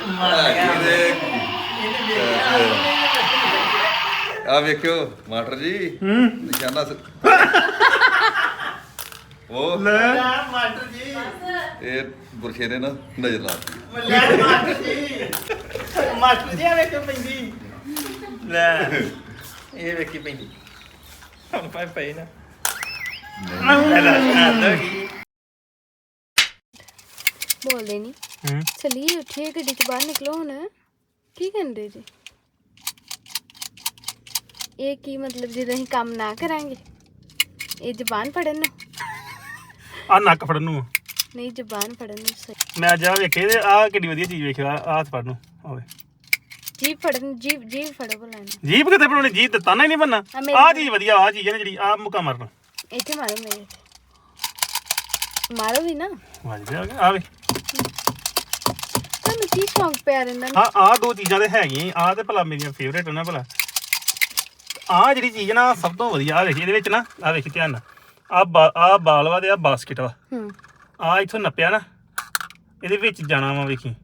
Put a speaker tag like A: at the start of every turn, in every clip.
A: ਆ ਵੇਖਿਓ ਮਾਸਟਰ ਜੀ ਨਿਸ਼ਾਨਾ ਉਹ
B: ਲੈ
C: ਮਾਸਟਰ ਜੀ
A: ਇਹ ਬੁਰਸ਼ੇ ਨੇ ਨਾ ਨਜ਼ਰ ਲਾ ਦਿੱਤੀ
C: ਮਾਸਟਰ ਜੀ ਆ ਵੇਖੋ ਪੈਂਦੀ ਲੈ ਇਹ ਵੇਖੀ ਪੈਂਦੀ ਹੁਣ ਪਈ ਨਾ
D: ਬੋਲਦੇ ਨਹੀਂ ਚਲੀਏ ਉੱਠੀਏ ਗੱਡੀ ਚ ਬਾਹਰ ਨਿਕਲੋ ਹੁਣ ਕੀ ਕਰਦੇ ਜੀ ਇਹ ਕੀ ਮਤਲਬ ਜਦੋਂ ਅਸੀਂ ਕੰਮ ਨਾ ਕਰਾਂਗੇ ਇਹ ਜ਼ਬਾਨ ਫੜਨ ਨੂੰ
B: ਆ ਨੱਕ ਫੜਨ ਨੂੰ
D: ਨਹੀਂ ਜ਼ਬਾਨ ਫੜਨ ਨੂੰ ਸਹੀ
B: ਮੈਂ ਜਾ ਵੇਖੇ ਤੇ ਆ ਕਿੱਡੀ ਵਧੀਆ ਚੀਜ਼ ਵੇਖਿਆ ਆ ਹੱਥ ਫੜਨ ਨੂੰ ਹੋਵੇ
D: ਜੀਭ ਫੜਨ ਜੀਭ ਫੜੋ ਬੋਲਾਂ
B: ਜੀਭ ਕਿਤੇ ਬਣਾਉਣੀ ਜੀਭ ਤੇ ਤਾਨਾ ਹੀ ਨਹੀਂ ਬੰਨਾ ਆ ਚੀਜ਼ ਵਧੀਆ ਆ ਚੀਜ਼ ਹੈ ਨਾ ਜਿਹੜੀ ਆ ਮੁੱਕਾ ਮਾਰਨਾ
D: ਇੱਥੇ ਮਾਰੋ ਮੇਰੇ ਮਾਰੋ ਵੀ ਨਾ
B: ਵੱਜਦੇ ਆ ਗਏ ਆਵੇ
D: ਤੁਹਾਨੂੰ ਕੀ ਸ਼ੌਂਕ ਪਿਆ ਰਹਿੰਦਾ
B: ਹਾਂ ਆ ਦੋ ਚੀਜ਼ਾਂ ਤੇ ਹੈਗੀਆਂ ਆ ਤੇ ਭਲਾ ਮੇਰੀਆਂ ਫੇਵਰੇਟ ਨਾ ਭਲਾ ਆ ਜਿਹੜੀ ਚੀਜ਼ ਨਾ ਸਭ ਤੋਂ ਵਧੀਆ ਆ ਵੇਖੀ ਇਹਦੇ ਵਿੱਚ ਨਾ ਆ ਵੇਖੀ ਧਿਆਨ ਨਾਲ ਆ ਬਾਲ ਵਾ ਤੇ ਆ ਬਾਸਕਟ ਵਾ ਆ ਇੱਥੋਂ ਨੱਪਿਆ ਨਾ ਇਹਦੇ ਵਿੱਚ ਜਾਣਾ ਵਾ ਵੇਖੀ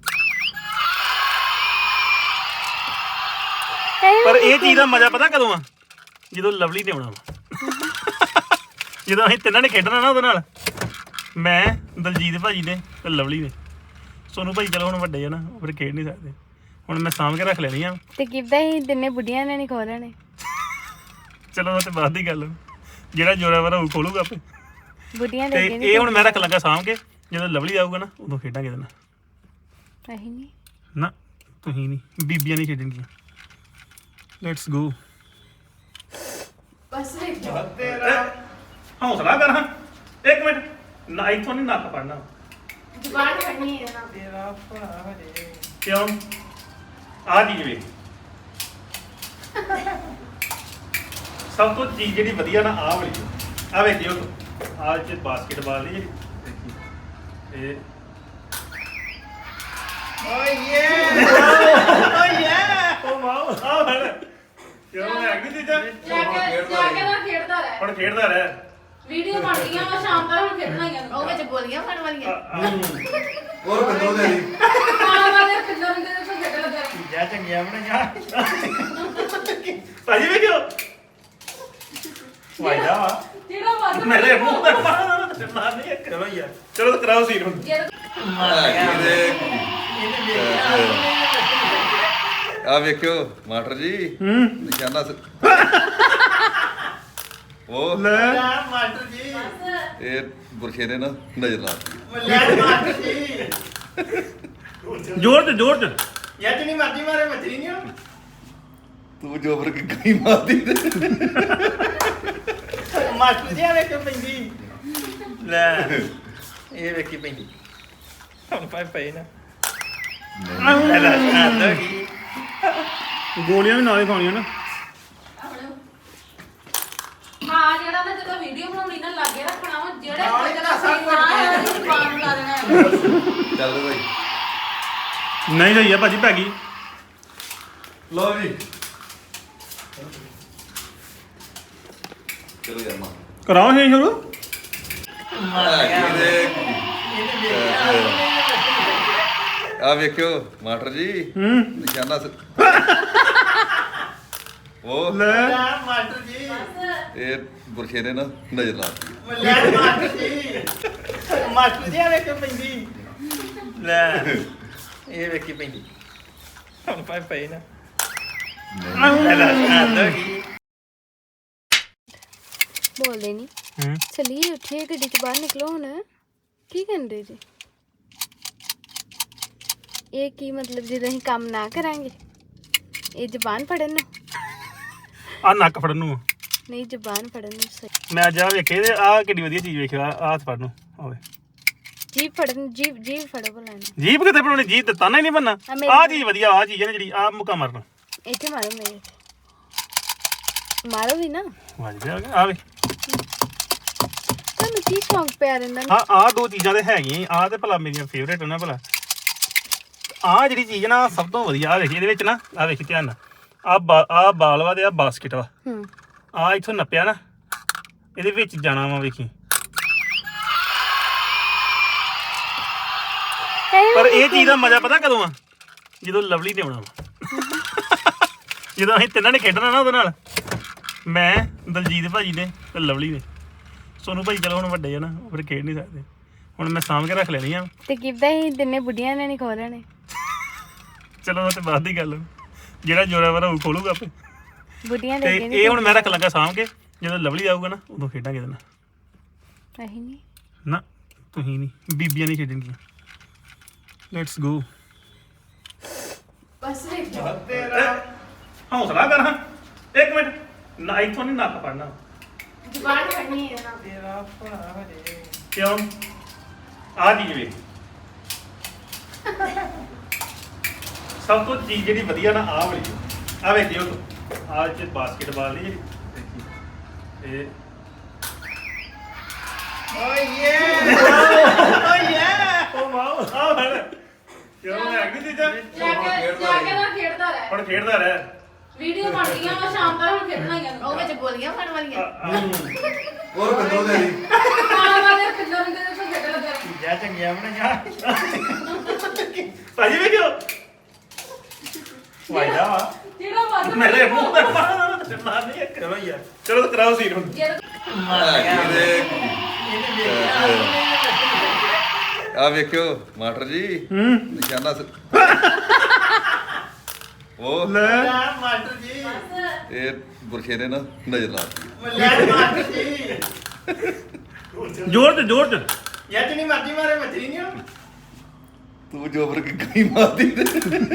B: ਪਰ ਇਹ ਚੀਜ਼ ਦਾ ਮਜ਼ਾ ਪਤਾ ਕਦੋਂ ਆ ਜਦੋਂ ਲਵਲੀ ਨੇ ਆਉਣਾ ਵਾ ਜਦੋਂ ਅਸੀਂ ਤਿੰਨਾਂ ਨੇ ਖੇਡਣਾ ਨਾ ਉਹਦੇ ਨਾਲ ਮੈਂ ਦਲਜੀਤ ਭਾਜੀ ਨੇ ਤੇ ਲਵਲੀ ਨੇ ਸੋਨੂੰ ਭਾਈ ਚਲੋ ਹੁਣ ਵੱਡੇ ਆ ਨਾ ਉਹ ਫਿਰ ਖੇਡ ਨਹੀਂ ਸਕਦੇ ਹੁਣ ਮੈਂ ਸਾਂਭ ਕੇ ਰੱਖ ਲੈਣੀ ਆ
D: ਤੇ ਕਿੱਦਾਂ ਹੀ ਦਿਨੇ ਬੁੱਢੀਆਂ ਨੇ ਨਹੀਂ ਖੋਲਣੇ
B: ਚਲੋ ਉਹ ਤੇ ਬਾਅਦ ਦੀ ਗੱਲ ਜਿਹੜਾ ਜ਼ੋਰਾਵਰ ਉਹ ਖੋਲੂਗਾ ਆਪੇ
D: ਬੁੱਢੀਆਂ
B: ਤੇ
D: ਦੇ
B: ਇਹ ਹੁਣ ਮੈਂ ਰੱਖ ਲੱਗਾ ਸਾਂਭ ਕੇ ਜਦੋਂ ਲਵਲੀ ਆਊਗਾ ਨਾ ਉਦੋਂ ਖੇਡਾਂਗੇ ਇਹਦੇ ਨਾਲ
D: ਅਸੀਂ ਨਹੀਂ
B: ਨਾ ਤੁਸੀਂ ਨਹੀਂ ਬੀਬੀਆਂ ਨਹੀਂ ਖੇਡਣਗੀਆਂ ਲੈਟਸ ਗੋ
D: ਬਸ ਵੇਖ
B: ਹੌਸਲਾ ਕਰ ਹਾਂ ਇੱਕ ਮਿੰਟ ਨਾ ਇੱਥੋਂ ਨਹੀਂ ਨੱਕ ਪੜਨਾ
D: ਜ਼ਬਾਨ ਫੜਨੀ ਹੈ ਨਾ
C: ਤੇਰਾ ਭਰਾ ਹਰੇ
B: ਕਿਉਂ ਆ ਚੀਜ਼ ਵੇ ਸਭ ਤੋਂ ਚੀਜ਼ ਜਿਹੜੀ ਵਧੀਆ ਨਾ ਆਹ ਵਾਲੀ ਆ ਵੇਖਿਓ ਆਹ ਚ ਬਾਸਕਟਬਾਲ ਦੀ ਜਿਹੜੀ ਇਹ
C: ਓਏ ਯੇ
B: ਉਹ ਵਾਓ ਆ ਫੜ ਕਿਉਂ ਹੈਗੀ ਚੀਜ਼ਾਂ ਹੁਣ ਖੇਡਦਾ ਰਹਿ
E: ਵੀਡੀਓ ਬਣ ਗਈਆਂ ਵਾ ਸ਼ਾਮ ਤੱਕ ਹੁਣ ਖੇਡਣਾ ਹੀ ਆ
D: ਉਹ ਵਿੱਚ ਗੋਲੀਆਂ ਫੜ ਵਾਲੀਆਂ
A: ਹੋਰ ਕਿਦੋਂ ਦੇ ਦੀ
E: ਕਾਲਾ ਵਾਲੇ ਪਿੱਲਰ ਦੇ ਤੇ ਖੇਡ ਲੱਗਾ
C: ਜਾ ਚੰਗਿਆ ਬਣਾ ਜਾ
B: ਭਾਜੀ ਵੇਖਿਓ ਵਾਇਦਾ ਵਾ
E: ਜਿਹੜਾ ਵੱਧ
B: ਮੇਰੇ ਮੂੰਹ ਤੇ ਮਾਰ ਨਹੀਂ ਚਲੋ ਯਾਰ ਚਲੋ ਤਾਂ ਕਰਾਓ ਸੀਨ ਹੁਣ
A: ਆ ਵੇਖਿਓ ਮਾਸਟਰ ਜੀ ਨਿਸ਼ਾਨਾ ਉਹ
B: ਲੈ
C: ਮਾਸਟਰ ਜੀ
A: ਇਹ ਬੁਰਸ਼ੇ ਨੇ ਨਾ ਨਜ਼ਰ ਲਾ ਦਿੱਤੀ
C: ਮਾਸਟਰ ਜੀ
B: ਜ਼ੋਰ ਚ
C: ਯਾਰ ਜਿੰਨੀ ਮਰਜ਼ੀ ਮਾਰੇ ਮੱਛਰੀ ਨਹੀਂ ਹੋ
A: ਤੂੰ ਜੋਬਰ ਕੇ ਗਈ ਮਾਰਦੀ ਤੇ
C: ਮਾਸਟਰ ਜੀ ਆ ਵੇਖੋ ਪੈਂਦੀ ਲੈ ਇਹ ਵੇਖੀ ਪੈਂਦੀ ਹੁਣ ਪਈ ਨਾ
B: ਗੋਲੀਆਂ ਵੀ ਨਾਲ ਹੀ ਖਾਣੀਆਂ ਨਾ
E: ਹਾਂ ਜਿਹੜਾ ਨਾ ਜਦੋਂ ਵੀਡੀਓ ਬਣਾਉਣੀ ਨਾ ਲਾਗੇ ਰੱਖਣਾ ਵਾ ਜਿਹੜੇ
C: ਨਾਲ ਹੀ
E: ਕੋਈ
C: ਤਾਂ ਸਭ ਕੁਝ
E: ਨਾ ਜ਼ੁਬਾਨ ਨੂੰ ਲਾ ਦੇਣਾ
A: ਚੱਲ ਭਾਈ
B: ਨਹੀਂ ਲਈ ਆ ਭਾਜੀ ਪੈ ਗਈ
A: ਲਓ ਜੀ ਚਲੋ ਯਾਰ ਮਾ
B: ਕਰਾਓ ਇਹ ਸ਼ੁਰੂ
A: ਆ ਵੇਖਿਓ ਮਾਸਟਰ ਜੀ ਨਿਸ਼ਾਨਾ ਉਹ
B: ਲੈ
C: ਮਾਸਟਰ ਜੀ
A: ਇਹ ਬੁਰਸ਼ੇ ਨੇ ਨਾ ਨਜ਼ਰ ਲਾ ਦਿੱਤੀ
C: ਮਾਸਟਰ ਜੀ ਆ ਵੇਖੋ ਪੈਂਦੀ ਲੈ ਇਹ ਵੇਖੀ ਪੈਂਦੀ ਹੁਣ ਪਈ ਨਾ
D: ਬੋਲਦੇ ਨਹੀਂ ਚਲੀਏ ਉੱਠੀਏ ਗੱਡੀ ਚ ਬਾਹਰ ਨਿਕਲੋ ਹੁਣ ਕੀ ਕਰਦੇ ਜੀ ਇਹ ਕੀ ਮਤਲਬ ਜਦੋਂ ਅਸੀਂ ਕੰਮ ਨਾ ਕਰਾਂਗੇ ਇਹ ਜ਼ਬਾਨ ਫੜਨ ਨੂੰ
B: ਆ ਨੱਕ ਫੜਨ ਨੂੰ
D: ਨਹੀਂ ਜ਼ਬਾਨ ਫੜਨ ਨੂੰ ਸਹੀ
B: ਮੈਂ ਜਾ ਵੇਖੇ ਤੇ ਆ ਕਿੱਡੀ ਵਧੀਆ ਚੀਜ਼ ਵੇਖਿਆ ਆ ਹੱਥ ਫੜਨ ਨੂੰ ਹੋਵੇ
D: ਜੀਭ ਫੜਨ ਜੀਭ ਫੜੋ ਬੋਲਾਂ
B: ਜੀਭ ਕਿਤੇ ਬਣਾਉਣੀ ਜੀਭ ਤੇ ਤਾਨਾ ਹੀ ਨਹੀਂ ਬੰਨਾ ਆ ਚੀਜ਼ ਵਧੀਆ ਆ ਚੀਜ਼ ਹੈ ਨਾ ਜਿਹੜੀ ਆ ਮੁੱਕਾ ਮਾਰਨਾ
D: ਇੱਥੇ ਮਾਰੋ ਮੇਰੇ ਮਾਰੋ ਵੀ ਨਾ
B: ਵੱਜਦੇ ਆ ਗਏ ਆਵੇ
D: ਤੁਹਾਨੂੰ ਕੀ ਸ਼ੌਂਕ ਪਿਆ ਰਹਿੰਦਾ
B: ਹਾਂ ਆ ਦੋ ਚੀਜ਼ਾਂ ਤੇ ਹੈਗੀਆਂ ਆ ਤੇ ਭਲਾ ਮੇਰੀਆਂ ਫੇਵਰੇਟ ਨਾ ਭਲਾ ਆ ਜਿਹੜੀ ਚੀਜ਼ ਨਾ ਸਭ ਤੋਂ ਵਧੀਆ ਆ ਵੇਖੀ ਇਹਦੇ ਵਿੱਚ ਨਾ ਆ ਵੇਖੀ ਧਿਆਨ ਨਾਲ ਆ ਬਾਲ ਵਾ ਤੇ ਆ ਬਾਸਕਟ ਵਾ ਆ ਇੱਥੋਂ ਨੱਪਿਆ ਨਾ ਇਹਦੇ ਵਿੱਚ ਜਾਣਾ ਵਾ ਵੇਖੀ ਪਰ ਇਹ ਚੀਜ਼ ਦਾ ਮਜ਼ਾ ਪਤਾ ਕਦੋਂ ਆ ਜਦੋਂ ਲਵਲੀ ਨੇ ਆਉਣਾ ਵਾ। ਜਦੋਂ ਅਸੀਂ ਤਿੰਨਾਂ ਨੇ ਖੇਡਣਾ ਨਾ ਉਹਦੇ ਨਾਲ, ਮੈਂ ਦਲਜੀਤ ਭਾਜੀ ਨੇ ਤੇ ਲਵਲੀ ਨੇ। ਸੋਨੂੰ ਭਾਜੀ ਚਲੋ ਹੁਣ ਵੱਡੇ ਆ ਨਾ, ਉਹ ਫਿਰ ਖੇਡ ਨਹੀਂ ਸਕਦੇ। ਹੁਣ ਮੈਂ ਸਾਂਭ ਕੇ ਰੱਖ ਲੈਣੀ ਆ।
D: ਤੇ ਕਿੱਦਾਂ ਹੀ ਦਿਨੇ ਬੁੱਢੀਆਂ ਨੇ ਨਹੀਂ ਖੋਲਣੇ।
B: ਚਲੋ ਉਹ ਤੇ ਬਾਅਦ ਦੀ ਗੱਲ ਆ। ਜਿਹੜਾ ਜ਼ੋਰਾਵਰ ਉਹ ਖੋਲੂਗਾ ਆਪੇ।
D: ਬੁੱਢੀਆਂ
B: ਤੇ
D: ਦੇ ਕੇ
B: ਇਹ ਹੁਣ ਮੈਂ ਰੱਖ ਲੱਗਾ ਸਾਂਭ ਕੇ, ਜਦੋਂ ਲਵਲੀ ਆਊਗਾ ਨਾ ਉਦੋਂ ਖੇਡਾਂਗੇ ਇਹਦੇ ਨਾਲ।
D: ਨਹੀਂ ਨਹੀਂ
B: ਨਾ ਤੁਸੀਂ ਨਹੀਂ, ਬੀਬੀਆਂ ਨਹੀਂ ਖੇਡਣਗੀਆਂ। Let's go.
E: ਬਸ ਵੇਖ
B: ਹੌਸਲਾ ਕਰ ਹਾਂ। ਇੱਕ ਮਿੰਟ ਨਾ, ਇੱਥੋਂ ਨਹੀਂ ਨੱਕ ਪੜਨਾ।
E: ਜ਼ੁਬਾਨ ਫੜਨੀ ਹੈ ਨਾ
C: ਤੇਰਾ ਭਰਾ ਹਰੇ
B: ਕਿਉਂ? ਆ ਚੀਜ਼ ਵੇ ਸਭ ਤੋਂ ਚੀਜ਼ ਜਿਹੜੀ ਵਧੀਆ ਨਾ ਆਹ ਵਾਲੀ ਆ ਵੇਖਿਓ ਤੂੰ, ਆਹ ਚ ਬਾਸਕਟਬਾਲ ਦੀ ਜਿਹੜੀ ਇਹ ਉਹ ਵਾਓ ਆ ਹਣ ਕਿਉਂ ਹੈ ਕਿ ਚੀਜ਼ਾਂ
E: ਜਾ ਕੇ ਨਾ ਖੇਡਦਾ ਰਹਿ
B: ਹੁਣ ਖੇਡਦਾ ਰਹਿ।
E: ਵੀਡੀਓ ਬਣ ਗਈਆਂ ਵਾ ਸ਼ਾਮ ਤੱਕ ਹੁਣ ਖੇਡਣਾ ਹੀ ਆ
F: ਉਹ ਵਿੱਚ ਗੋਲੀਆਂ ਫੜ ਵਾਲੀਆਂ
A: ਹੋਰ ਬੰਦੋ ਦੇ ਦੀ
E: ਕਾਲਾ ਵਾਲੇ ਪਿੱਲੋ ਰਿੰਗ ਦੇ ਤੋਂ ਖੇਡ ਲੱਗਾ
C: ਜਾ ਚੰਗਿਆ ਬਣਾ ਜਾ
B: ਭਾਜੀ ਵੇਖਿਓ ਵਾਇਦਾ ਵਾ
E: ਜਿਹੜਾ ਵੱਧ
B: ਮੇਰੇ ਮੂੰਹ ਤੇ ਮਾਰਨਾ ਨਹੀਂ ਇੱਕ।
C: ਚਲੋ ਯਾਰ
B: ਚਲੋ ਤਾਂ ਕਰਾਓ ਸੀਨ ਹੁਣ।
A: ਆ ਵੇਖਿਓ ਮਾਸਟਰ ਜੀ ਨਿਸ਼ਾਨਾ ਉਹ
B: ਲੈ
C: ਮਾਸਟਰ ਜੀ
A: ਇਹ ਗੁਰਸ਼ੇ ਨੇ ਨਾ ਨਜ਼ਰ ਲਾ ਦਿੱਤੀ
C: ਲੈ ਮਾਸਟਰ ਜੀ
B: ਜ਼ੋਰ ਤੇ ਜ਼ੋਰ ਤੇ
C: ਯਾਰ ਜਿੰਨੀ ਮਰਜ਼ੀ ਮਾਰੇ ਮੱਛਰੀ ਨਹੀਂ ਹੋ
A: ਤੂੰ ਜੋਬਰ ਕੇ ਗਈ ਮਾਰਦੀ ਤੇ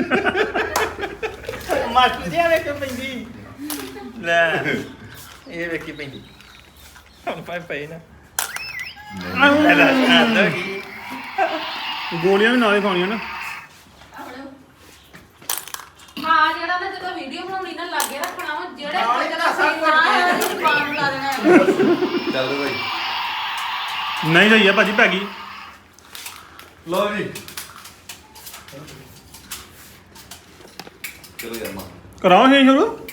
C: ਮਾਸਟਰ ਜੀ ਆ ਵੇਖੋ ਪੈਂਦੀ ਲੈ ਇਹ ਵੇਖੀ ਪੈਂਦੀ ਹੁਣ ਪਈ ਨਾ ਲੈ ਲੈ ਆਂਦਾ ਕੀ
B: ਗੋਲੀਆਂ ਵੀ ਨਾਲੇ ਖਾਣੀਆਂ ਨਾ।
E: ਹਾਂ ਜਿਹੜਾ ਨਾ ਜਦੋਂ ਵੀਡੀਓ ਬਣਾਉਣੀ ਨਾ ਲੱਗੇ ਰੱਖਣਾ ਵਾ ਜਿਹੜੇ
C: ਨਾਲ ਹੀ
E: ਕੋਈ
C: ਤਾਂ ਸਭ ਕੁਝ
E: ਨਾ ਜ਼ੁਬਾਨ ਨੂੰ ਲਾ ਦੇਣਾ
A: ਚੱਲ ਭਾਈ
B: ਨਹੀਂ ਸਹੀ ਆ ਭਾਜੀ, ਪੈ ਗਈ।
A: ਲਓ ਜੀ ਚਲੋ ਯਾਰ ਮਾ
B: ਕਰਾਓ ਇਹ ਸ਼ੁਰੂ।